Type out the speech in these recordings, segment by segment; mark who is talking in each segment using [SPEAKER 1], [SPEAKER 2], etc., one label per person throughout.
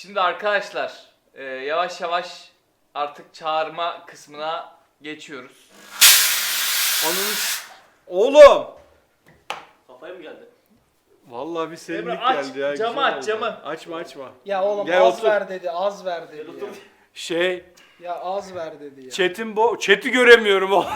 [SPEAKER 1] Şimdi arkadaşlar yavaş yavaş artık çağırma kısmına geçiyoruz.
[SPEAKER 2] Onun... Oğlum!
[SPEAKER 3] Kafaya mı geldi?
[SPEAKER 2] Vallahi bir serinlik
[SPEAKER 1] Emre, aç,
[SPEAKER 2] geldi ya.
[SPEAKER 1] camı
[SPEAKER 2] güzel
[SPEAKER 1] aç,
[SPEAKER 2] oldu.
[SPEAKER 1] camı.
[SPEAKER 2] Açma.
[SPEAKER 4] Ya oğlum
[SPEAKER 2] Gel
[SPEAKER 4] az
[SPEAKER 2] otur.
[SPEAKER 4] ver dedi, az ver dedi ya.
[SPEAKER 2] Şey,
[SPEAKER 4] Ya az ver dedi ya.
[SPEAKER 2] chat'i göremiyorum o.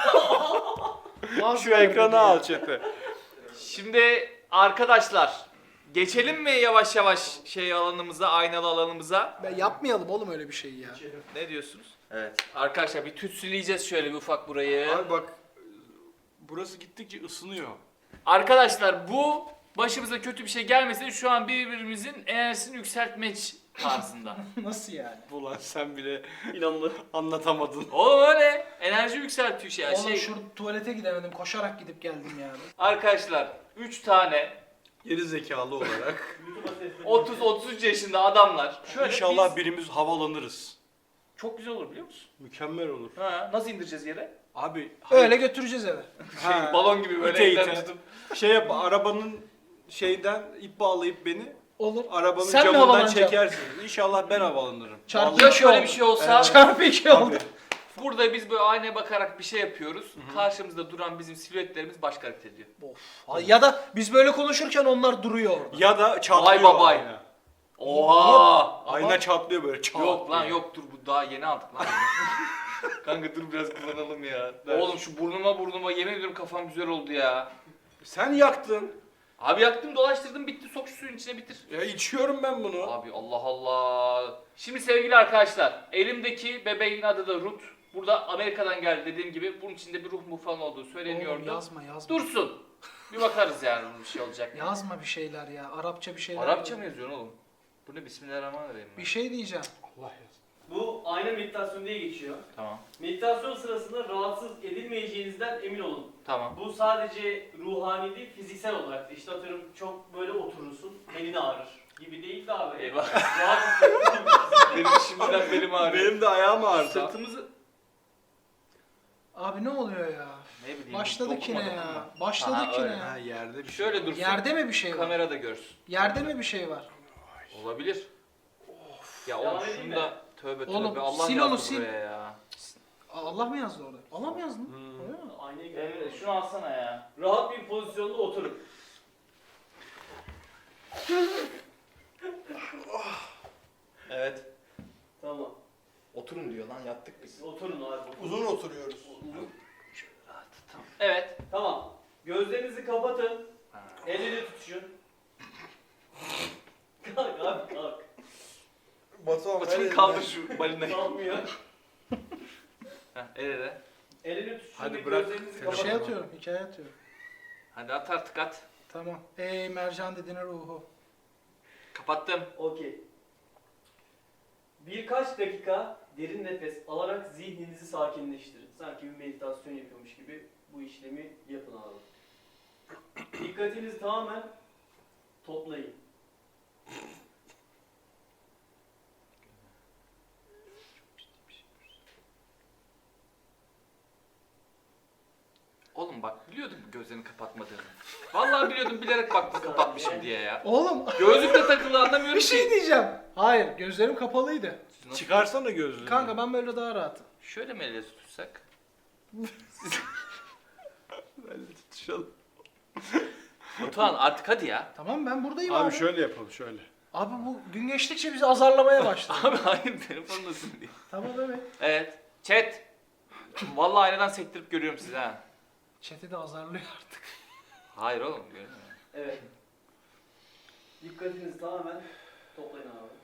[SPEAKER 4] Az
[SPEAKER 2] Şu
[SPEAKER 4] ver dedi
[SPEAKER 2] ekranı
[SPEAKER 4] ya.
[SPEAKER 2] al chat'i.
[SPEAKER 1] Şimdi arkadaşlar geçelim mi yavaş yavaş alanımıza, aynalı alanımıza?
[SPEAKER 4] Ben yapmayalım oğlum öyle bir şey ya.
[SPEAKER 1] Ne diyorsunuz? Evet. Arkadaşlar bir tütsüleyeceğiz şöyle bir ufak burayı.
[SPEAKER 2] Abi bak, burası gittikçe ısınıyor.
[SPEAKER 1] Arkadaşlar bu başımıza kötü bir şey gelmese şu an birbirimizin enerjisini yükseltmek tarzında.
[SPEAKER 4] Nasıl yani?
[SPEAKER 2] Ulan sen bile
[SPEAKER 3] İnanlı.
[SPEAKER 2] anlatamadın.
[SPEAKER 1] Oğlum öyle enerji yükseltiyor şey.
[SPEAKER 4] Oğlum şu tuvalete gidemedim, koşarak gidip geldim yani.
[SPEAKER 1] Arkadaşlar 3 tane
[SPEAKER 2] Geri zekalı olarak.
[SPEAKER 1] 30-33 yaşında adamlar. Şöyle
[SPEAKER 2] İnşallah
[SPEAKER 1] biz-
[SPEAKER 2] birimiz havalanırız.
[SPEAKER 1] Çok güzel olur biliyor musun?
[SPEAKER 2] Mükemmel olur.
[SPEAKER 1] Ha, nasıl indireceğiz yere?
[SPEAKER 2] Abi
[SPEAKER 4] Öyle götüreceğiz eve.
[SPEAKER 2] Ha,
[SPEAKER 1] Balon gibi böyle
[SPEAKER 2] ite
[SPEAKER 1] elden
[SPEAKER 2] ite.
[SPEAKER 1] tutup.
[SPEAKER 2] şey yap, arabanın şeyden ip bağlayıp beni
[SPEAKER 4] Olur.
[SPEAKER 2] arabanın
[SPEAKER 4] Sen mi
[SPEAKER 2] camından
[SPEAKER 4] havalanacaksın?
[SPEAKER 2] çekersiniz. İnşallah ben havalanırım.
[SPEAKER 4] Çarpı
[SPEAKER 1] Ya
[SPEAKER 4] iki
[SPEAKER 1] şöyle
[SPEAKER 4] oldu.
[SPEAKER 1] bir şey olsa
[SPEAKER 4] Çarpı 2 oldu.
[SPEAKER 2] Tabii.
[SPEAKER 1] burada biz böyle aynaya bakarak bir şey yapıyoruz. Karşımızda duran bizim silüetlerimiz başka hareket ediyor.
[SPEAKER 4] Of. Ya da biz böyle konuşurken onlar duruyor orada.
[SPEAKER 2] Ya da çatlıyor
[SPEAKER 1] babay.
[SPEAKER 2] ayna.
[SPEAKER 1] Oha!
[SPEAKER 2] Ayna çatlıyor böyle çat
[SPEAKER 1] Yok lan
[SPEAKER 2] diye.
[SPEAKER 1] yok dur bu daha yeni aldık lan. Kanka dur biraz kullanalım ya. Oğlum şu burnuma yemin ediyorum kafam güzel oldu ya.
[SPEAKER 2] Sen yaktın.
[SPEAKER 1] Abi yaktım dolaştırdım bitti sok şu suyun içine bitir.
[SPEAKER 2] Ya içiyorum ben bunu.
[SPEAKER 1] Abi Allah Allah. Şimdi sevgili arkadaşlar elimdeki bebeğin adı da Ruth. Burada Amerika'dan geldi dediğim gibi bunun içinde bir ruh mu falan olduğu
[SPEAKER 4] Oğlum
[SPEAKER 1] söyleniyordu.
[SPEAKER 4] yazma.
[SPEAKER 1] Dursun. Bir bakarız yani bir şey olacak.
[SPEAKER 4] Yazma bir şeyler ya. Arapça bir şeyler.
[SPEAKER 1] Arapça mı yazıyorsun oğlum? Bu ne Bismillahirrahmanirrahim.
[SPEAKER 4] Bir şey diyeceğim.
[SPEAKER 2] Allah yazsın.
[SPEAKER 3] Bu ayna meditasyonu diye geçiyor.
[SPEAKER 1] Tamam.
[SPEAKER 3] Meditasyon sırasında rahatsız edilmeyeceğinizden emin olun.
[SPEAKER 1] Tamam.
[SPEAKER 3] Bu sadece ruhani değil, fiziksel olarak da. İşte atıyorum çok böyle oturursun, belin ağrır gibi değil de abi.
[SPEAKER 1] Eyvah.
[SPEAKER 3] Rahat hissettiğin
[SPEAKER 1] Benim şimdiden belim ağrıyor.
[SPEAKER 2] Benim de ayağım ağrıdı.
[SPEAKER 1] Sırtımızı...
[SPEAKER 4] Abi ne oluyor ya?
[SPEAKER 1] Ne bileyim.
[SPEAKER 4] Başladık yine
[SPEAKER 1] dokunma,
[SPEAKER 4] ya.
[SPEAKER 1] dokunma.
[SPEAKER 4] Başladık
[SPEAKER 1] Aha,
[SPEAKER 4] yine
[SPEAKER 1] öyle.
[SPEAKER 4] ya.
[SPEAKER 2] Ha yerde bir şey.
[SPEAKER 1] Şöyle dursun.
[SPEAKER 4] Yerde mi bir şey var?
[SPEAKER 1] Kamerada görsün.
[SPEAKER 4] Yerde mi bir şey var?
[SPEAKER 1] Olabilir. Ya
[SPEAKER 3] Devam
[SPEAKER 1] oğlum
[SPEAKER 3] edeyim
[SPEAKER 1] şunu
[SPEAKER 3] mi?
[SPEAKER 1] da tövbe
[SPEAKER 4] Oğlum,
[SPEAKER 1] tövbe Allah
[SPEAKER 4] sil
[SPEAKER 1] yazdı
[SPEAKER 4] onu, sil.
[SPEAKER 1] buraya ya.
[SPEAKER 4] Allah mı yazdı orada? Allah mı yazdı? Öyle mi?
[SPEAKER 3] Aynaya
[SPEAKER 1] Emre
[SPEAKER 3] göre.
[SPEAKER 1] şunu alsana ya.
[SPEAKER 3] Rahat bir pozisyonda oturun.
[SPEAKER 1] Evet.
[SPEAKER 3] Tamam.
[SPEAKER 1] Oturun diyor lan yattık biz.
[SPEAKER 3] Oturun abi. Oturun.
[SPEAKER 2] Uzun oturuyoruz.
[SPEAKER 1] Evet.
[SPEAKER 3] Tamam. Gözlerinizi kapatın. Elleri tutuşun. Kalk abi kalk.
[SPEAKER 2] Batuhan
[SPEAKER 1] Batın kaldır şu balinayı.
[SPEAKER 3] Kalkmıyor.
[SPEAKER 1] Heh, el ele.
[SPEAKER 3] Elini tutuşun
[SPEAKER 2] Hadi
[SPEAKER 3] ve
[SPEAKER 2] bırak.
[SPEAKER 3] gözlerinizi
[SPEAKER 2] Telefonu.
[SPEAKER 4] Şey
[SPEAKER 3] kapatın.
[SPEAKER 4] atıyorum, hikaye atıyorum.
[SPEAKER 1] Hadi at artık at.
[SPEAKER 4] Tamam. Ey mercan dediğine ruhu.
[SPEAKER 1] Kapattım.
[SPEAKER 3] Okey. Birkaç dakika derin nefes alarak zihninizi sakinleştirin. Sanki bir meditasyon yapıyormuş gibi bu işlemi yapın abi. Dikkatinizi tamamen toplayın.
[SPEAKER 1] Oğlum bak biliyordum gözlerini kapatmadığını. Vallahi biliyordum bilerek baktım kapatmışım diye ya.
[SPEAKER 4] Oğlum
[SPEAKER 1] Gözlük de takılı anlamıyorum
[SPEAKER 4] bir şey
[SPEAKER 1] ki.
[SPEAKER 4] diyeceğim. Hayır, gözlerim kapalıydı.
[SPEAKER 1] Nasıl-
[SPEAKER 2] Çıkarsana gözlüğünü.
[SPEAKER 4] Kanka ben böyle daha rahatım.
[SPEAKER 1] Şöyle mi elle tutsak?
[SPEAKER 2] Böyle tutuşalım.
[SPEAKER 1] Batuhan artık hadi ya.
[SPEAKER 4] Tamam ben buradayım
[SPEAKER 2] Abi
[SPEAKER 4] abi.
[SPEAKER 2] şöyle yapalım şöyle.
[SPEAKER 4] Abi bu gün geçtikçe bizi azarlamaya başladı.
[SPEAKER 1] Abi hayır telefonlasın diye.
[SPEAKER 4] Tamam evet.
[SPEAKER 1] Evet. Chat. Vallahi aynadan sektirip görüyorum sizi ha.
[SPEAKER 4] Chat'i de azarlıyor artık.
[SPEAKER 1] Hayır oğlum görmüyorum.
[SPEAKER 3] Evet. Dikkatinizi tamamen toplayın abi.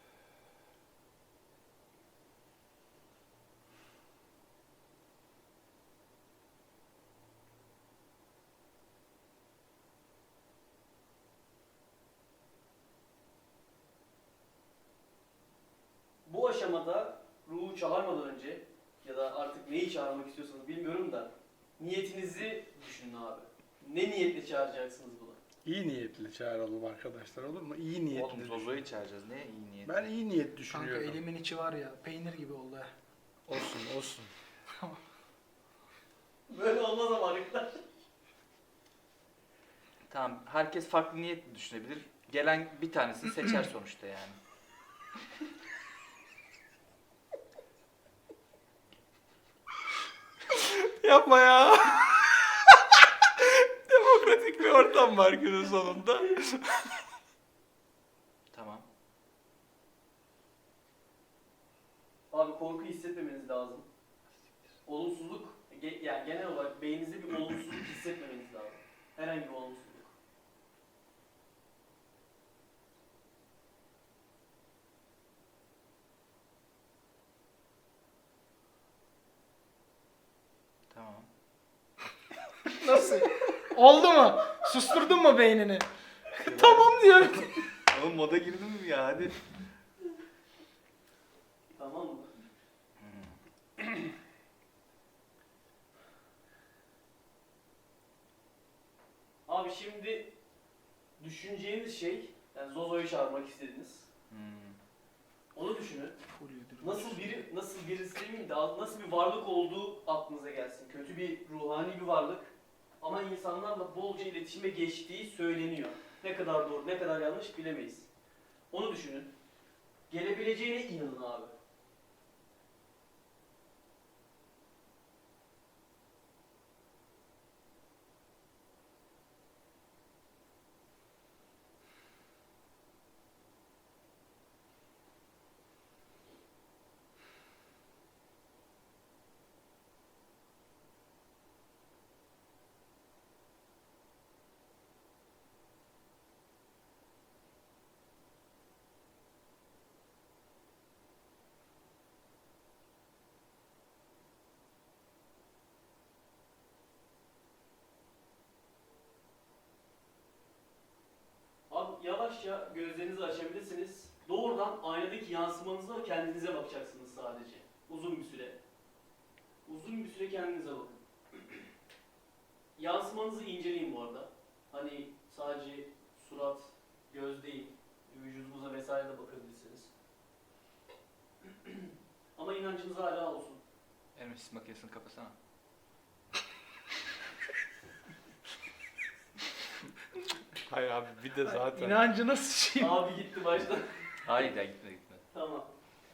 [SPEAKER 3] Bu aşamada ruhu çağırmadan önce ya da artık neyi çağırmak istiyorsanız bilmiyorum da niyetinizi düşünün abi. Ne niyetle çağıracaksınız bunu?
[SPEAKER 2] İyi niyetli çağıralım arkadaşlar, olur mu? İyi niyetli.
[SPEAKER 1] Oğlum Zozo'yu çağıracağız. Ne iyi niyet.
[SPEAKER 2] Ben iyi niyet
[SPEAKER 4] Kanka
[SPEAKER 2] düşünüyorum.
[SPEAKER 4] elimin içi var ya peynir gibi oldu ha.
[SPEAKER 2] Olsun olsun.
[SPEAKER 3] Böyle olmaz ama arkadaşlar.
[SPEAKER 1] Tamam herkes farklı niyet düşünebilir. Gelen bir tanesini seçer sonuçta yani.
[SPEAKER 2] Yapma ya. Demokratik bir ortam var günün sonunda.
[SPEAKER 1] Tamam.
[SPEAKER 3] Abi korku hissetmemeniz lazım. Olumsuzluk, yani genel olarak beyninizde bir olumsuzluk hissetmemeniz lazım. Herhangi bir olumsuzluk.
[SPEAKER 1] Tamam.
[SPEAKER 4] Nasıl? Oldu mu? Susturdun mu beynini? Tamam diyorum.
[SPEAKER 2] Oğlum moda girdin mi ya hadi.
[SPEAKER 3] Tamam mı? Abi şimdi düşüneceğiniz şey, yani Zozo'yu çağırmak istediniz. Onu düşünün. Nasıl birisi demeyeyim de nasıl bir varlık olduğu aklınıza gelsin. Kötü bir ruhani bir varlık ama insanlarla bolca iletişime geçtiği söyleniyor. Ne kadar doğru, ne kadar yanlış bilemeyiz. Onu düşünün. Gelebileceğine inanın abi. Abi yavaşça gözlerinizi açabilirsiniz. Doğrudan aynadaki yansımanıza kendinize bakacaksınız sadece. Uzun bir süre. Uzun bir süre kendinize bakın. Yansımanızı inceleyin bu arada. Hani sadece surat, göz değil, vücudunuza vesaire de bakabilirsiniz. Ama inancınız hala olsun.
[SPEAKER 1] Elmas makinesini kapasana.
[SPEAKER 2] Hayır abi bir de zaten.
[SPEAKER 4] İnancına sıçayım.
[SPEAKER 3] Abi gitti baştan.
[SPEAKER 1] Hayır ya gitme gitme.
[SPEAKER 3] Tamam.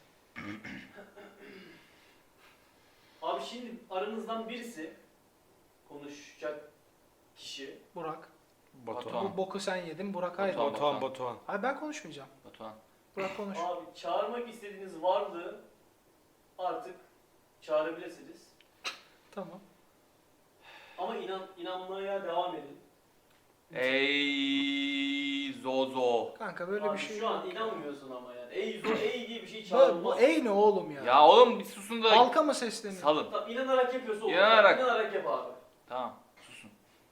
[SPEAKER 3] Abi şimdi aranızdan birisi konuşacak kişi.
[SPEAKER 4] Burak.
[SPEAKER 2] Batuhan.
[SPEAKER 4] Bu boku sen yedin. Burak hayır.
[SPEAKER 1] Batuhan.
[SPEAKER 2] Batuhan.
[SPEAKER 4] Hayır ben konuşmayacağım.
[SPEAKER 1] Batuhan.
[SPEAKER 4] Burak konuş.
[SPEAKER 3] Abi çağırmak istediğiniz varlığı artık çağırabilirsiniz.
[SPEAKER 4] Tamam.
[SPEAKER 3] Ama inanmaya devam edin.
[SPEAKER 1] Ey Zozo.
[SPEAKER 4] Kanka böyle
[SPEAKER 3] Abi
[SPEAKER 4] bir şey
[SPEAKER 3] şu an
[SPEAKER 4] yok.
[SPEAKER 3] inanmıyorsun ama yani. Ey diye bir şey
[SPEAKER 4] Bu
[SPEAKER 3] çağrılmaz.
[SPEAKER 4] ey ne oğlum ya?
[SPEAKER 1] Ya oğlum bir susun da
[SPEAKER 4] Halka mı sesleniyor?
[SPEAKER 1] salın.
[SPEAKER 3] Tamam, inanarak yapıyorsa olur.
[SPEAKER 1] İnanarak.
[SPEAKER 3] İnanarak yap abi.
[SPEAKER 1] Tamam susun.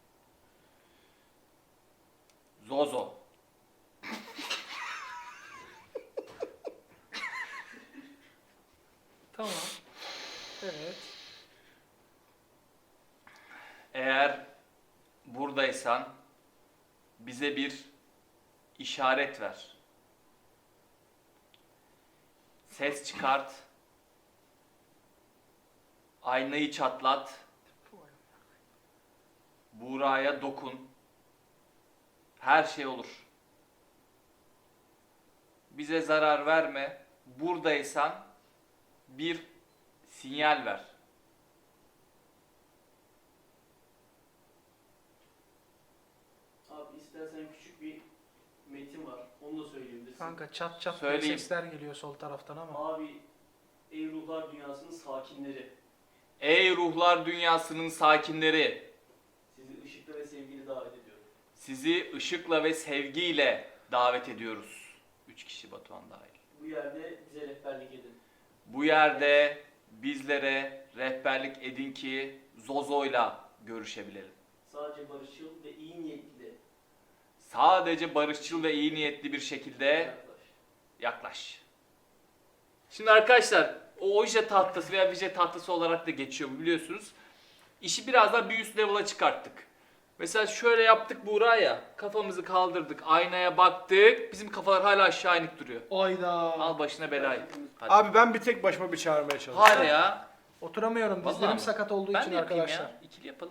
[SPEAKER 1] Zozo.
[SPEAKER 4] Tamam. Evet.
[SPEAKER 1] Eğer buradaysan bize bir işaret ver. Ses çıkart. Aynayı çatlat. Buğra'ya dokun. Her şey olur. Bize zarar verme. Buradaysan bir sinyal ver.
[SPEAKER 3] Abi istersen küçük bir metin var. Onu da söyleyebilirsin.
[SPEAKER 4] Kanka çat çat
[SPEAKER 1] Söyleyeyim.
[SPEAKER 4] sesler geliyor sol taraftan ama.
[SPEAKER 3] Abi ey ruhlar dünyasının sakinleri.
[SPEAKER 1] Ey ruhlar dünyasının sakinleri,
[SPEAKER 3] Sizi ışıkla ve sevgiyle davet ediyorum.
[SPEAKER 1] sizi ışıkla ve sevgiyle davet ediyoruz. 3 kişi Batuhan dahil.
[SPEAKER 3] Bu yerde bize rehberlik edin.
[SPEAKER 1] Bu yerde bizlere rehberlik edin ki Zozo'yla görüşebilelim.
[SPEAKER 3] Sadece barışçıl ve iyi niyetli
[SPEAKER 1] Sadece barışçıl ve iyi niyetli bir şekilde
[SPEAKER 3] yaklaş.
[SPEAKER 1] yaklaş. Şimdi arkadaşlar o oje tahtası veya vije tahtası olarak da geçiyor bu biliyorsunuz. İşi biraz daha bir üst level'a çıkarttık. Mesela şöyle yaptık Buğra ya. Kafamızı kaldırdık, aynaya baktık. Bizim kafalar hala aşağı inik duruyor.
[SPEAKER 4] Ayda.
[SPEAKER 1] Al başına belayı. Hadi.
[SPEAKER 2] Abi ben bir tek başıma bir çağırmaya çalışıyorum.
[SPEAKER 1] Hadi ya.
[SPEAKER 4] Oturamıyorum.
[SPEAKER 1] Vallahi
[SPEAKER 4] Dizlerim
[SPEAKER 1] mi?
[SPEAKER 4] sakat olduğu
[SPEAKER 1] Ben
[SPEAKER 4] için
[SPEAKER 1] de yapayım
[SPEAKER 4] arkadaşlar.
[SPEAKER 1] ya. İkili yapalım.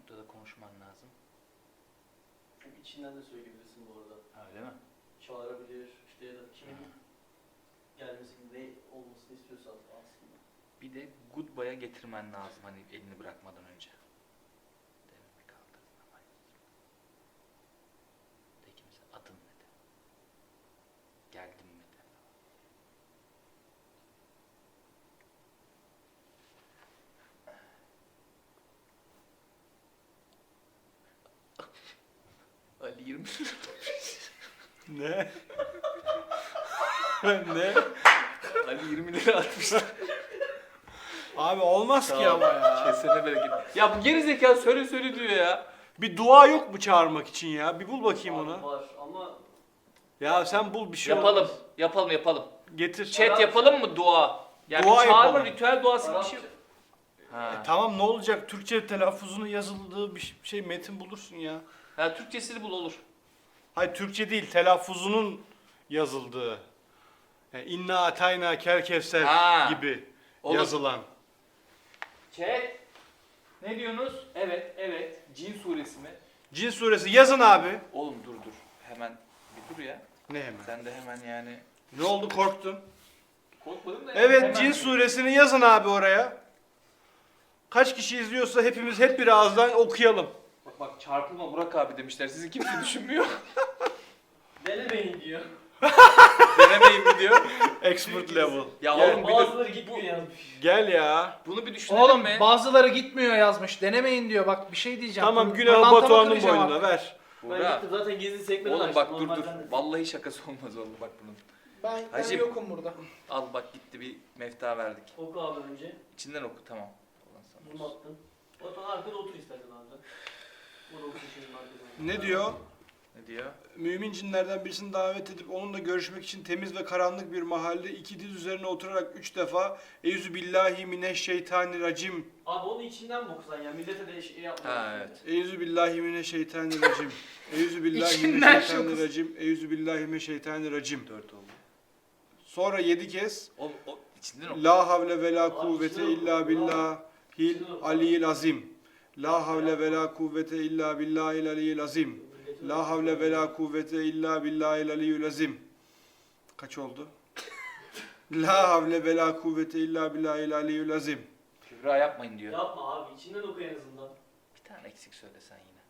[SPEAKER 1] noktada konuşman lazım?
[SPEAKER 3] Çünkü içinden de söyleyebilirsin bu arada.
[SPEAKER 1] Ha, öyle mi?
[SPEAKER 3] Çağırabilir işte ya da kimin gelmesini, ne olmasını istiyorsan aslında.
[SPEAKER 1] Bir de goodbye'a getirmen lazım hani elini bırakmadan önce. Devre kaldırdın ama. Peki mesela adın ne de? Geldim mi de? Ali 20
[SPEAKER 2] Ne? Ne?
[SPEAKER 1] Ali 20 lira atmışlar.
[SPEAKER 2] Abi olmaz ki ama ya.
[SPEAKER 1] Kesene bereket. Ya bu geri zeka söyle diyor ya.
[SPEAKER 2] Bir dua yok mu çağırmak için ya? Bir bul bakayım
[SPEAKER 3] Abi
[SPEAKER 2] onu.
[SPEAKER 3] var ama
[SPEAKER 2] Ya sen bul bir şey
[SPEAKER 1] Yapalım.
[SPEAKER 2] olmaz.
[SPEAKER 1] Yapalım.
[SPEAKER 2] Getir.
[SPEAKER 1] Chat
[SPEAKER 3] Arapça.
[SPEAKER 1] yapalım mı dua? Yani
[SPEAKER 2] Dua
[SPEAKER 1] çağırma
[SPEAKER 2] yapalım.
[SPEAKER 1] ritüel duası bir
[SPEAKER 3] Arapça.
[SPEAKER 1] şey. Ha.
[SPEAKER 2] Tamam ne olacak? Türkçe telaffuzunun yazıldığı bir şey metin bulursun ya.
[SPEAKER 1] Ha, Türkçesini bul olur.
[SPEAKER 2] Hayır Türkçe değil telaffuzunun yazıldığı. Yani inna atayna kel kevser
[SPEAKER 1] Ha.
[SPEAKER 2] gibi
[SPEAKER 1] Olur.
[SPEAKER 2] yazılan.
[SPEAKER 1] Chat. Ne diyorsunuz? Evet. Cin suresi mi?
[SPEAKER 2] Cin suresi yazın abi.
[SPEAKER 1] Oğlum dur. Hemen bir dur ya.
[SPEAKER 2] Ne hemen?
[SPEAKER 1] Sen de hemen yani.
[SPEAKER 2] Ne oldu korktun?
[SPEAKER 1] Korkmadın da.
[SPEAKER 2] Evet
[SPEAKER 1] hemen-
[SPEAKER 2] Cin suresini yazın abi oraya. Kaç kişi izliyorsa hepimiz hep bir ağızdan okuyalım.
[SPEAKER 1] Bak çarpılma Burak abi demişler. Sizi kimse düşünmüyor.
[SPEAKER 3] denemeyin diyor.
[SPEAKER 1] Denemeyin mi diyor.
[SPEAKER 2] Expert level.
[SPEAKER 1] Ya
[SPEAKER 2] Gel.
[SPEAKER 1] oğlum bir
[SPEAKER 3] Bazıları
[SPEAKER 1] dur.
[SPEAKER 3] gitmiyor yazmış.
[SPEAKER 2] Gel ya.
[SPEAKER 1] Bunu bir düşünelim
[SPEAKER 4] Oğlum
[SPEAKER 1] mi?
[SPEAKER 4] bazıları gitmiyor yazmış. Denemeyin diyor. Bak bir şey diyeceğim.
[SPEAKER 2] Tamam
[SPEAKER 4] Pır-
[SPEAKER 2] günahı
[SPEAKER 4] pırlantama
[SPEAKER 2] Batuhan'ın
[SPEAKER 4] kıracağım
[SPEAKER 2] boynuna
[SPEAKER 4] artık.
[SPEAKER 2] ver.
[SPEAKER 3] Ben
[SPEAKER 1] Burak.
[SPEAKER 3] gittim zaten gizli sekmeden
[SPEAKER 1] Oğlum
[SPEAKER 3] açtım.
[SPEAKER 1] bak dur.
[SPEAKER 3] Normalden de.
[SPEAKER 1] Vallahi şakası olmaz oğlum bak bunun.
[SPEAKER 4] Ben
[SPEAKER 1] Hacım.
[SPEAKER 4] yokum burada.
[SPEAKER 1] Al bak gitti bir mefta verdik.
[SPEAKER 3] Oku abi önce.
[SPEAKER 1] İçinden oku tamam. Ulan sana
[SPEAKER 3] Bunu
[SPEAKER 1] olsun.
[SPEAKER 3] attın. Batuhan arkada otur istersen abi. Burada otur şimdi arkada.
[SPEAKER 2] Ne diyor?
[SPEAKER 1] Ne diyor?
[SPEAKER 2] Mümin cinlerden birisini davet edip onunla görüşmek için temiz ve karanlık bir mahallede iki diz üzerine oturarak 3 defa Eyüzü billahi mineşşeytanirracim.
[SPEAKER 3] Abi onu içinden mi okusan ya? Millete de şey yapma.
[SPEAKER 1] Ha, evet.
[SPEAKER 2] Eyüzü billahi mineşşeytanirracim. Eyüzü billahi
[SPEAKER 4] İçinden
[SPEAKER 2] mineşşeytanirracim. Eyüzü billahi mineşşeytanirracim.
[SPEAKER 1] 4 oldu.
[SPEAKER 2] Sonra 7 kez
[SPEAKER 1] Oğlum o içinden oku.
[SPEAKER 2] La havle ve la
[SPEAKER 3] Abi
[SPEAKER 2] kuvvete
[SPEAKER 3] içinden
[SPEAKER 2] illa
[SPEAKER 3] oku.
[SPEAKER 2] billahil
[SPEAKER 3] İçinden oku.
[SPEAKER 2] aliyyil azim. La havle ve la kuvvete illa billahil aliyyil azim. La havle ve la kuvvete illa billahil aliyyil azim. Kaç oldu? La havle ve la kuvvete illa billahil aliyyil azim.
[SPEAKER 1] Kübra yapmayın diyor.
[SPEAKER 3] Yapma abi içinden oku en azından.
[SPEAKER 1] Bir tane eksik söylesen yine.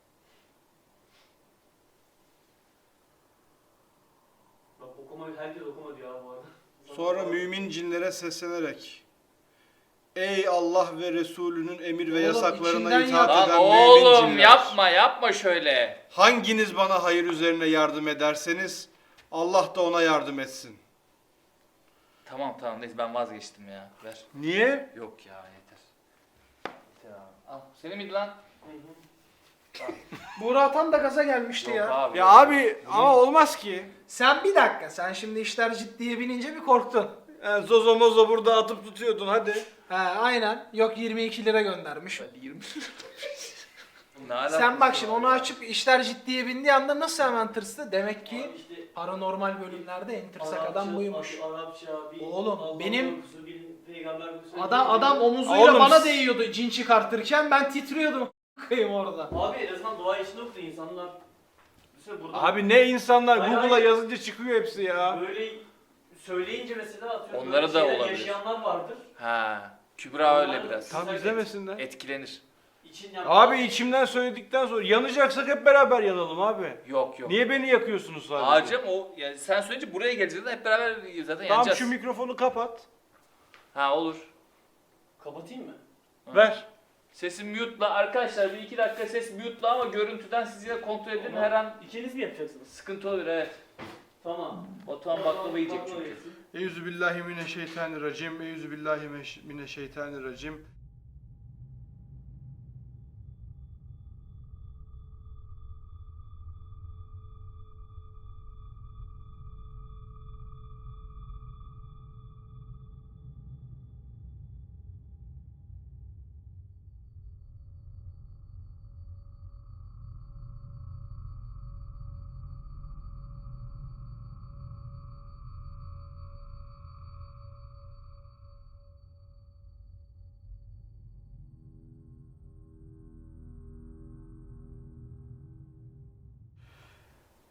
[SPEAKER 3] Bak okuma herkes okuma diyor abi bu arada.
[SPEAKER 2] Sonra mümin cinlere seslenerek Ey Allah ve Resulünün emir ve
[SPEAKER 4] Oğlum,
[SPEAKER 2] yasaklarına
[SPEAKER 4] içinden
[SPEAKER 2] itaat
[SPEAKER 4] yap.
[SPEAKER 2] eden
[SPEAKER 1] Lan
[SPEAKER 2] mümin
[SPEAKER 1] oğlum
[SPEAKER 2] cinler.
[SPEAKER 1] yapma şöyle.
[SPEAKER 2] Hanginiz bana hayır üzerine yardım ederseniz Allah da ona yardım etsin.
[SPEAKER 1] Tamam neyse ben vazgeçtim ya. Ver.
[SPEAKER 2] Niye?
[SPEAKER 1] Yok ya yeter. Yeter abi. Al. Senin miydi lan?
[SPEAKER 3] Hı hı.
[SPEAKER 4] Buğra Atan da gaza gelmişti
[SPEAKER 1] Yok
[SPEAKER 4] ya.
[SPEAKER 1] abi.
[SPEAKER 2] Ya abi ama olmaz ki.
[SPEAKER 4] Sen bir dakika. Sen şimdi işler ciddiye binince bir korktun.
[SPEAKER 2] Zozo mozo burada atıp tutuyordun hadi.
[SPEAKER 4] He aynen. Yok 22 lira göndermiş.
[SPEAKER 1] Hadi 20. Ne alakası
[SPEAKER 4] Sen bak şimdi
[SPEAKER 1] var
[SPEAKER 4] onu
[SPEAKER 1] ya?
[SPEAKER 4] açıp işler ciddiye bindiği anda nasıl hemen tırstı? Demek ki
[SPEAKER 3] Abi işte
[SPEAKER 4] paranormal bölümlerde en tırsak
[SPEAKER 3] Arapça,
[SPEAKER 4] adam buymuş.
[SPEAKER 3] Arapça, bir
[SPEAKER 4] Oğlum,
[SPEAKER 3] Allah
[SPEAKER 4] benim-
[SPEAKER 3] korkusu, bir peygamber korkusu.
[SPEAKER 4] Adam omuzuyla
[SPEAKER 2] Oğlum,
[SPEAKER 4] bana değiyordu cin çıkartırken ben titriyordum kıyım orada.
[SPEAKER 3] Abi en azından dua içinde okudu insanlar. Mesela burada
[SPEAKER 2] Abi ne insanlar
[SPEAKER 3] Hayır,
[SPEAKER 2] Google'a
[SPEAKER 3] hayır.
[SPEAKER 2] yazınca çıkıyor hepsi ya.
[SPEAKER 3] böyle söyleyince mesela atıyorum
[SPEAKER 1] Onlara
[SPEAKER 3] böyle
[SPEAKER 1] da
[SPEAKER 3] şeyler
[SPEAKER 1] olabilir.
[SPEAKER 3] yaşayanlar vardır.
[SPEAKER 1] Ha. Kübra öyle biraz.
[SPEAKER 2] Tam izlemesinler.
[SPEAKER 1] Etkilenir.
[SPEAKER 3] İçin yap-
[SPEAKER 2] Abi içimden söyledikten sonra yanacaksak hep beraber yanalım abi.
[SPEAKER 1] Yok.
[SPEAKER 2] Niye beni yakıyorsunuz sadece?
[SPEAKER 1] Ağacım o yani sen söyleyince buraya geleceğiz de hep beraber zaten
[SPEAKER 2] Tamam
[SPEAKER 1] yanacağız.
[SPEAKER 2] şu mikrofonu kapat.
[SPEAKER 1] Ha olur.
[SPEAKER 3] Kapatayım mı?
[SPEAKER 1] Ha.
[SPEAKER 2] Ver.
[SPEAKER 1] Sesi mute'la arkadaşlar bir 2 dakika ses mute'la ama görüntüden siz yine kontrol edin
[SPEAKER 3] Ama
[SPEAKER 1] her an
[SPEAKER 3] İkiniz mi yapacaksınız?
[SPEAKER 1] sıkıntı olur evet.
[SPEAKER 3] Tamam.
[SPEAKER 1] Batuhan baklava yiyecek
[SPEAKER 3] Baklava
[SPEAKER 1] çünkü.
[SPEAKER 3] yesin.
[SPEAKER 2] Euzubillahimineşşeytanirracim. Euzubillahimineşşeytanirracim.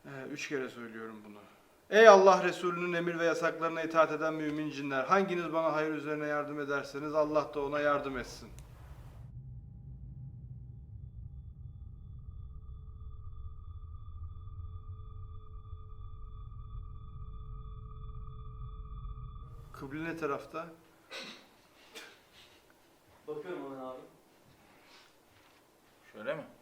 [SPEAKER 2] 3 kere söylüyorum bunu. Ey Allah Resulü'nün emir ve yasaklarına itaat eden mümin cinler, hanginiz bana hayır üzerine yardım ederseniz Allah da ona yardım etsin. Kıble ne tarafta?
[SPEAKER 3] Bakıyorum hemen abi.
[SPEAKER 1] Şöyle mi?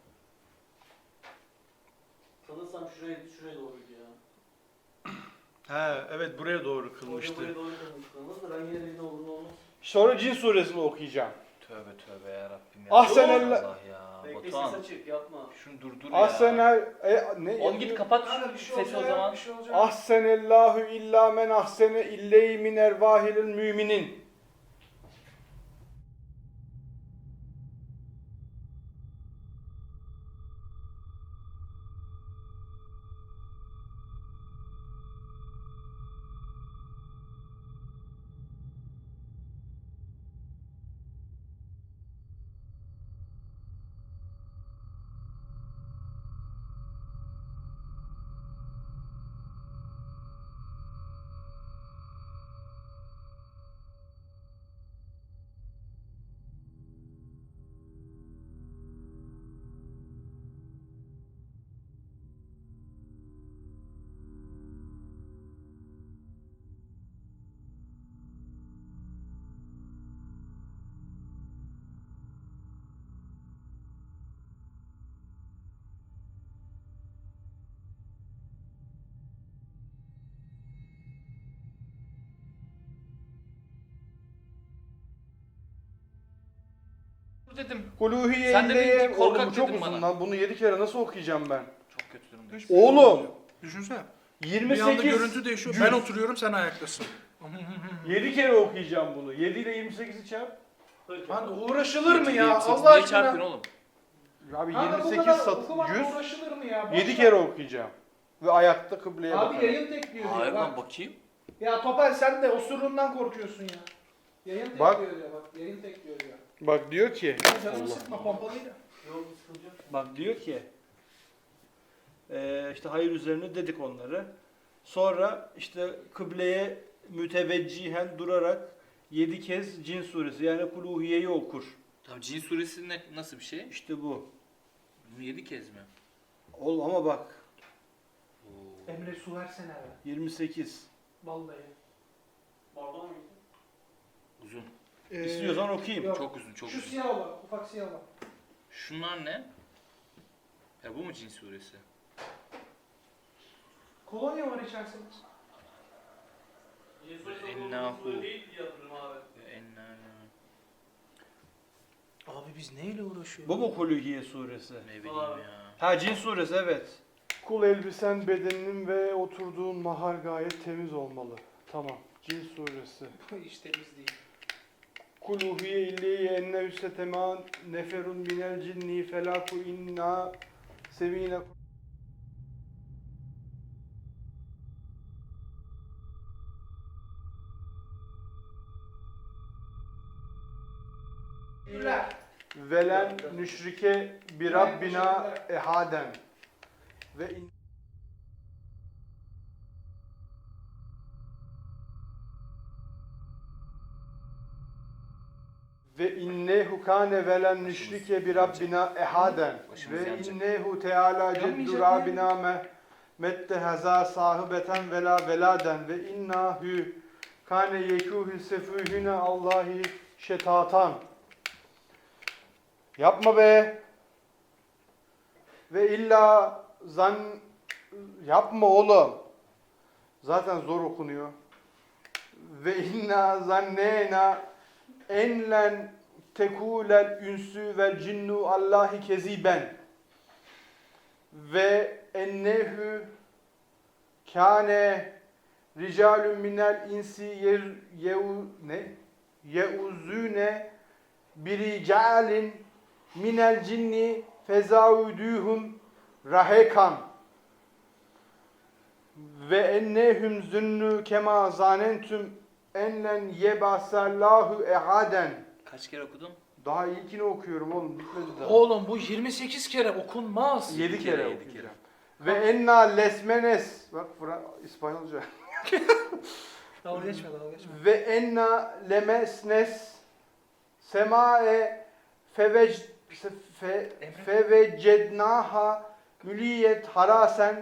[SPEAKER 3] Sanırsam şuraya doğruydu ya.
[SPEAKER 2] He, evet buraya doğru
[SPEAKER 3] Hoca
[SPEAKER 2] kılmıştı.
[SPEAKER 3] buraya doğru kılmıştı. Da ben yine de ne olur ne olmaz.
[SPEAKER 2] Sonra Cin suresini okuyacağım.
[SPEAKER 1] Tövbe tövbe ya Rabbim ya.
[SPEAKER 2] Ahsen
[SPEAKER 1] Allah
[SPEAKER 2] elle-
[SPEAKER 1] Allah ya.
[SPEAKER 3] Bekle ses
[SPEAKER 1] Batuhan
[SPEAKER 3] açık yapma.
[SPEAKER 1] şunu durdur ya.
[SPEAKER 2] Ahsenel ne?
[SPEAKER 1] Oğlum git kapat
[SPEAKER 4] Kanka
[SPEAKER 1] şu sesi o zaman.
[SPEAKER 2] Ahsenellahu illa men ahsene illeyhi min ervahilil müminin.
[SPEAKER 1] Dedim.
[SPEAKER 2] Kuluhiye
[SPEAKER 1] Sen dedin ki
[SPEAKER 2] illeye.
[SPEAKER 1] korkak
[SPEAKER 2] Oğlum bu çok
[SPEAKER 1] dedin
[SPEAKER 2] uzun
[SPEAKER 1] bana.
[SPEAKER 2] lan. Bunu 7 kere nasıl okuyacağım ben?
[SPEAKER 1] Çok kötü durumdayım.
[SPEAKER 2] Oğlum
[SPEAKER 4] Düşünsene.
[SPEAKER 2] 28
[SPEAKER 4] Bir anda görüntü değişiyor.
[SPEAKER 2] cüz.
[SPEAKER 4] Ben oturuyorum, sen ayaktasın.
[SPEAKER 2] 7 kere okuyacağım bunu. 7 ile 28'i çarp.
[SPEAKER 4] Lan uğraşılır mı ya?
[SPEAKER 1] 28
[SPEAKER 4] Allah
[SPEAKER 1] niye çarpıyorsun
[SPEAKER 4] aşkına.
[SPEAKER 1] oğlum?
[SPEAKER 2] Abi
[SPEAKER 4] Kanka bu
[SPEAKER 2] 28
[SPEAKER 4] kadar
[SPEAKER 2] sat
[SPEAKER 4] okumakla
[SPEAKER 2] 100.
[SPEAKER 4] uğraşılır mı ya?
[SPEAKER 2] 7 kere okuyacağım. Ve ayakta kıbleye
[SPEAKER 4] Abi
[SPEAKER 2] bakarak.
[SPEAKER 4] yayın tekliyor
[SPEAKER 1] Hayır
[SPEAKER 4] diyor
[SPEAKER 1] lan
[SPEAKER 4] bak.
[SPEAKER 1] bakayım.
[SPEAKER 4] Ya Topal sen de osurluğundan korkuyorsun ya. Yayın
[SPEAKER 2] Bak.
[SPEAKER 4] tekliyor diyor bak. Yayın tekliyor diyor.
[SPEAKER 2] Bak diyor ki.
[SPEAKER 4] Ya canımı sıkma pompalıyla.
[SPEAKER 3] Yok sıkıntı yok.
[SPEAKER 2] Bak diyor ki. İşte hayır üzerine dedik onları. Sonra işte kıbleye müteveccihen durarak 7 kez Cin suresi yani Kuluhiye'yi okur.
[SPEAKER 1] Tamam Cin suresi nasıl bir şey?
[SPEAKER 2] İşte bu.
[SPEAKER 1] Bunu 7 kez mi?
[SPEAKER 2] Ol ama bak
[SPEAKER 1] Oo.
[SPEAKER 4] Emre su versene be.
[SPEAKER 2] 28.
[SPEAKER 4] Vallahi.
[SPEAKER 3] Bardağı mı?
[SPEAKER 1] Uzun.
[SPEAKER 2] İstiyorsan okuyayım.
[SPEAKER 4] yok.
[SPEAKER 1] Çok uzun, çok
[SPEAKER 4] Şu
[SPEAKER 1] uzun.
[SPEAKER 4] siyah olan, ufak siyah olan.
[SPEAKER 1] Şunlar ne? Ya bu mu Cin suresi?
[SPEAKER 4] Kolonya var içerisinde.
[SPEAKER 1] Ennahu.
[SPEAKER 3] Değil diye hatırlıyorum abi.
[SPEAKER 4] Abi biz neyle uğraşıyoruz?
[SPEAKER 2] Bu mu Kuluhiye suresi?
[SPEAKER 1] Ne bileyim
[SPEAKER 3] Abi.
[SPEAKER 1] ya.
[SPEAKER 2] Ha Cin suresi evet. Kul elbisen bedeninin ve oturduğun mahal gayet temiz olmalı. Tamam. Cin suresi.
[SPEAKER 4] İşte biz değil.
[SPEAKER 2] Kul uhiye illeyye enne üstetema neferun minel cinni felaku inna sevine.
[SPEAKER 4] Güller.
[SPEAKER 2] Velen nüşrike bir Rabbina ehaden. Ve in Ve innehu kâne velen nüşrike bir Rabbina ehaden.
[SPEAKER 1] Başımız
[SPEAKER 2] Ve
[SPEAKER 1] yanacak.
[SPEAKER 2] innehu teâlâ ceddu
[SPEAKER 4] Yanmayacak
[SPEAKER 2] Rabbina mette hazâ sahibeten velâ velâden. Ve innâhu kâne yekûhü sefûhüne Allahi şetatan. Yapma be. Ve illa yapma oğlum. Zaten zor okunuyor. Ve inna zannena enlen tekulel ünsü vel cinnu Allahi keziben. Ve ennehu kâne ricalun minel insi yeuzune biricalin minel cinni fezauduhum rahekan ve ennehum zunnu kema zanentum enlen yebasallahu ehaden.
[SPEAKER 1] Kaç kere okudun?
[SPEAKER 2] Daha ilkini okuyorum oğlum bitmedi daha.
[SPEAKER 4] Oğlum bu 28 kere okunmaz.
[SPEAKER 2] 7 kere
[SPEAKER 1] yedi
[SPEAKER 2] okuyacağım. Ve enna lesmenes. Bak İspanyolca.
[SPEAKER 4] Dalga geçme dalga geçme.
[SPEAKER 2] Ve enna lemesnes semae fevecednaha müliyet harasen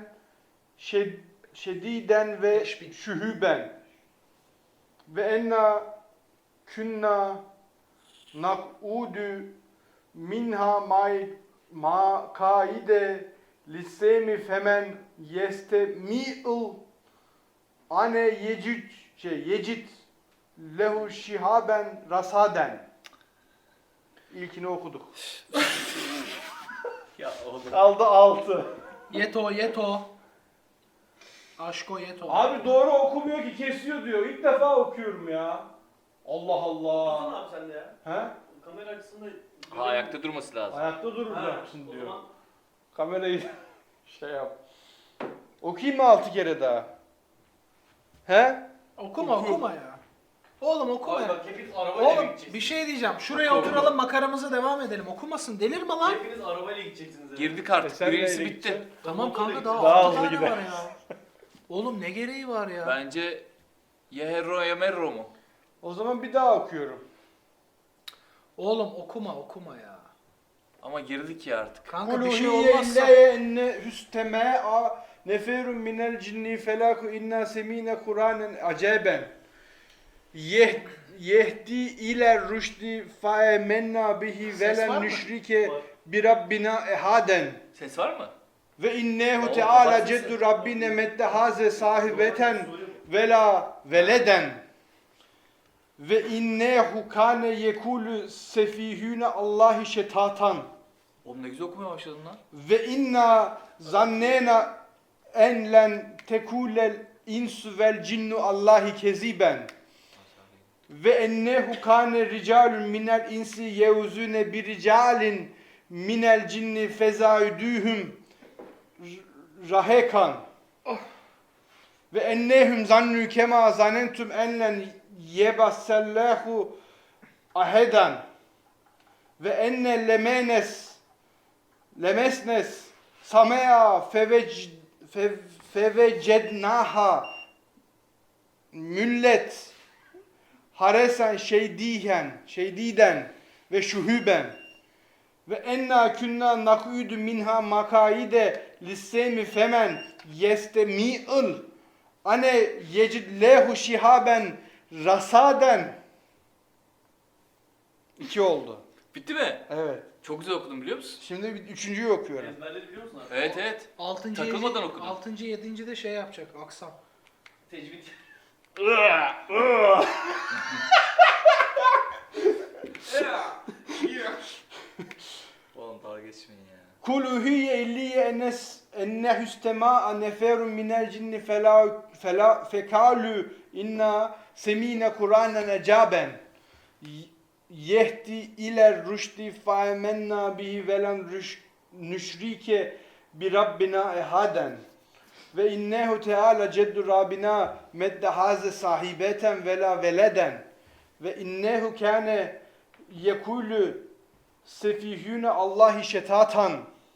[SPEAKER 2] şediden ve
[SPEAKER 4] 5000.
[SPEAKER 2] şühüben ve enna künna nak'udu minha makaide lissemi femen yestemi'l ane yecid lehu şihaben rasaden. İlkini okuduk.
[SPEAKER 1] Ya oğlum.
[SPEAKER 2] Kaldı 6.
[SPEAKER 4] Yeto. Aşko yeto.
[SPEAKER 2] Abi doğru okumuyor ki, kesiyor diyor. İlk defa okuyorum ya. Allah Allah.
[SPEAKER 3] Dursana abi sen de ya.
[SPEAKER 2] He?
[SPEAKER 3] Kamera açısında...
[SPEAKER 1] Ha, ayakta durması lazım.
[SPEAKER 2] Ayakta
[SPEAKER 3] Ha,
[SPEAKER 2] duracaksın
[SPEAKER 3] o
[SPEAKER 2] diyor.
[SPEAKER 3] zaman
[SPEAKER 2] Kamerayı şey yap. Okuyayım mı 6 kere daha? He?
[SPEAKER 4] Okuma ya. Oğlum okuma
[SPEAKER 3] Abi
[SPEAKER 4] ya.
[SPEAKER 3] bak hepiniz arabayla
[SPEAKER 4] Oğlum
[SPEAKER 3] gideceksiniz.
[SPEAKER 4] bir şey diyeceğim. Şuraya oturalım makaramıza devam edelim. Okumasın. Delirme lan.
[SPEAKER 3] Hepiniz arabayla gideceksiniz. yani.
[SPEAKER 1] Girdik artık.
[SPEAKER 2] Sen
[SPEAKER 1] Birincisi
[SPEAKER 2] neyle
[SPEAKER 1] bitti.
[SPEAKER 2] gideceksin?
[SPEAKER 4] Tamam kanka daha
[SPEAKER 2] Daha
[SPEAKER 4] 6
[SPEAKER 2] hızlı
[SPEAKER 4] tane
[SPEAKER 2] gider.
[SPEAKER 4] var ya. Oğlum ne gereği var ya?
[SPEAKER 1] Bence ya Herro ya Merro mu?
[SPEAKER 2] O zaman bir daha okuyorum.
[SPEAKER 4] Oğlum okuma ya.
[SPEAKER 1] Ama girdik ya artık.
[SPEAKER 4] Kanka bir şey
[SPEAKER 2] Kuluhiye
[SPEAKER 4] olmazsa.
[SPEAKER 2] illeye enne hüstema'a neferun minel cinni felaku inna semine Kur'anen aceben. Yehdi ile rüşdi faemenna bihi
[SPEAKER 4] Ses var
[SPEAKER 2] velen
[SPEAKER 4] mı?
[SPEAKER 2] nüşrike
[SPEAKER 3] Var.
[SPEAKER 2] bi rabbina ehaden.
[SPEAKER 1] Ses var mı?
[SPEAKER 2] Ve innehu
[SPEAKER 1] Oğlum,
[SPEAKER 2] teala
[SPEAKER 1] kapat
[SPEAKER 2] ceddu
[SPEAKER 1] sesi.
[SPEAKER 2] rabbine meddehaze sahibeten
[SPEAKER 3] Soru yok.
[SPEAKER 2] vela veleden. Ve innehu kane yekulu sefihüne Allahi şetatan.
[SPEAKER 1] Oğlum ne güzel okumaya başladın lan.
[SPEAKER 2] Ve inna zannena en len tekulel insu vel cinnu Allahi keziben. Ve ennehu kane ricalun minel insi yevzune bir ricalin minel cinni fezaüdühüm rahekan. Ve ennehum zannu kema zanentum enlen yebassallahu ahedan. Ve enne lemesnes samea fevecednaha müllet haresen şeydiden ve şuhuben ve enna künna nak'udu minha makaide lissemi femen yestemi'l ane yecid lehu şihaben rasaden. 2 oldu.
[SPEAKER 1] Bitti mi?
[SPEAKER 2] Evet.
[SPEAKER 1] Çok güzel okudun biliyor musun?
[SPEAKER 2] Şimdi bir üçüncüyü okuyorum.
[SPEAKER 3] Ezberleri biliyor musun abi?
[SPEAKER 1] Evet.
[SPEAKER 4] 6.
[SPEAKER 1] Takılmadan okudun.
[SPEAKER 4] 6. 7. de şey yapacak aksam.
[SPEAKER 3] Tecvid.
[SPEAKER 1] Oğlum dalga geçmeyin ya.
[SPEAKER 2] Kuluhiye illiye ennehüstema neferun minel cinni fekalu inna semine Kur'anen ecaben yehdi iler rüşdi faemenna bihi velen nüşrike bi rabbina ehaden ve innehu teala ceddu rabbina meddehaze sahibeten vela veleden ve innehu kâne yekulu sefihüne Allahi şetatan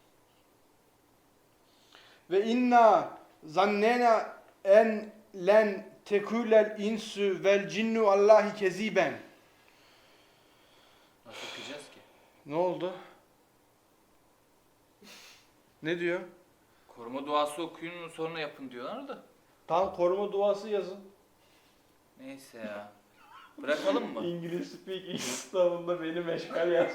[SPEAKER 2] ve inna zannena en len tekulel insu vel cinnu Allahi keziben.
[SPEAKER 1] Nasıl okuyacağız ki?
[SPEAKER 2] Ne oldu? Ne diyor?
[SPEAKER 1] Koruma duası okuyun sonra yapın diyorlar da.
[SPEAKER 2] Tam koruma duası yazın.
[SPEAKER 1] Neyse ya. Bırakalım mı?
[SPEAKER 2] İngiliz speaking sınavında beni meşgal yaz.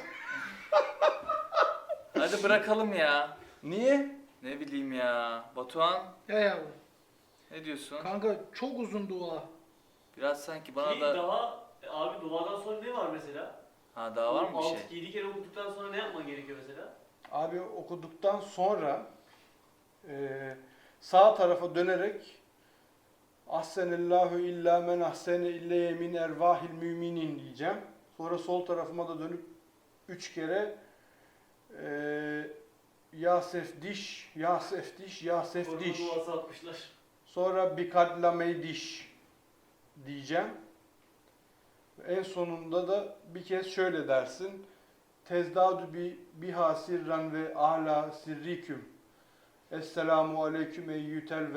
[SPEAKER 1] Hadi bırakalım ya.
[SPEAKER 2] Niye?
[SPEAKER 1] Ne bileyim ya. Batuhan
[SPEAKER 4] Ya yavrum.
[SPEAKER 1] ne diyorsun?
[SPEAKER 4] Kanka çok uzun dua.
[SPEAKER 1] Biraz sanki bana
[SPEAKER 3] Ki
[SPEAKER 1] da...
[SPEAKER 3] daha abi duadan sonra ne var mesela?
[SPEAKER 1] Ha daha var mı bir şey?
[SPEAKER 3] 6-7 kere okuduktan sonra ne yapman gerekiyor mesela?
[SPEAKER 2] Abi okuduktan sonra sağ tarafa dönerek Ahsenillahu illa men ahsene illeye min ervahil müminin diyeceğim. Sonra sol tarafıma da dönüp 3 kere ya sefdiş, ya sefdiş, ya sefdiş.
[SPEAKER 3] Koruma duası atmışlar.
[SPEAKER 2] Sonra bikadlameydiş diyeceğim. En sonunda da bir kez şöyle dersin. Tezdadu biha sirran ve ala sirriküm. Esselamu aleyküm eyyütel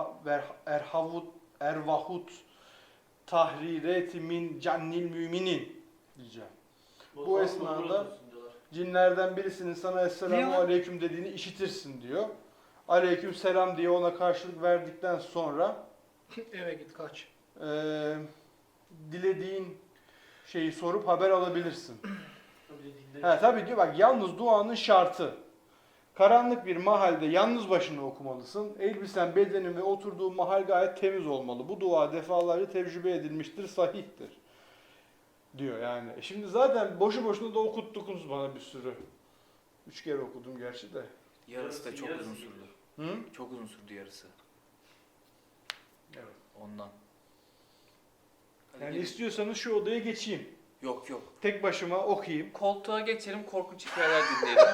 [SPEAKER 2] ervahut tahrireti min cannil müminin diyeceğim. Bu esnada cinlerden birisinin sana Esselamu
[SPEAKER 4] Ne o?
[SPEAKER 2] aleyküm dediğini işitirsin diyor. Aleyküm selam diye ona karşılık verdikten sonra
[SPEAKER 4] Eve git kaç.
[SPEAKER 2] dilediğin şeyi sorup haber alabilirsin. Tabii diyor bak yalnız duanın şartı. Karanlık bir mahalde yalnız başına okumalısın. Elbisen, bedenin ve oturduğun mahal gayet temiz olmalı. Bu dua defalarca tecrübe edilmiştir, sahihtir. Diyor yani. Şimdi zaten boşu boşuna da okuttukunuz bana bir sürü. 3 kere okudum gerçi de.
[SPEAKER 1] Yarısı da çok
[SPEAKER 3] Yarısı
[SPEAKER 1] uzun
[SPEAKER 3] gibi.
[SPEAKER 1] sürdü.
[SPEAKER 2] Hı?
[SPEAKER 1] Çok uzun sürdü yarısı.
[SPEAKER 2] Evet.
[SPEAKER 1] Ondan. Hadi
[SPEAKER 2] Yani
[SPEAKER 1] gelin.
[SPEAKER 2] istiyorsanız şu odaya geçeyim.
[SPEAKER 1] Yok yok.
[SPEAKER 2] Tek başıma okuyayım.
[SPEAKER 1] Koltuğa geçelim, korkunç hikayeler dinleyelim.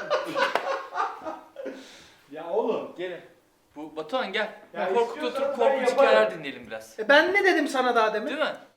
[SPEAKER 2] Ya oğlum.
[SPEAKER 1] Gelin. Bu Batuhan gel.
[SPEAKER 2] Ya
[SPEAKER 1] Korkut
[SPEAKER 2] istiyorsan
[SPEAKER 1] oturup
[SPEAKER 2] ben
[SPEAKER 1] korkunç
[SPEAKER 2] yaparım.
[SPEAKER 1] hikayeler dinleyelim biraz.
[SPEAKER 4] Ben ne dedim sana daha demin?
[SPEAKER 1] Değil mi?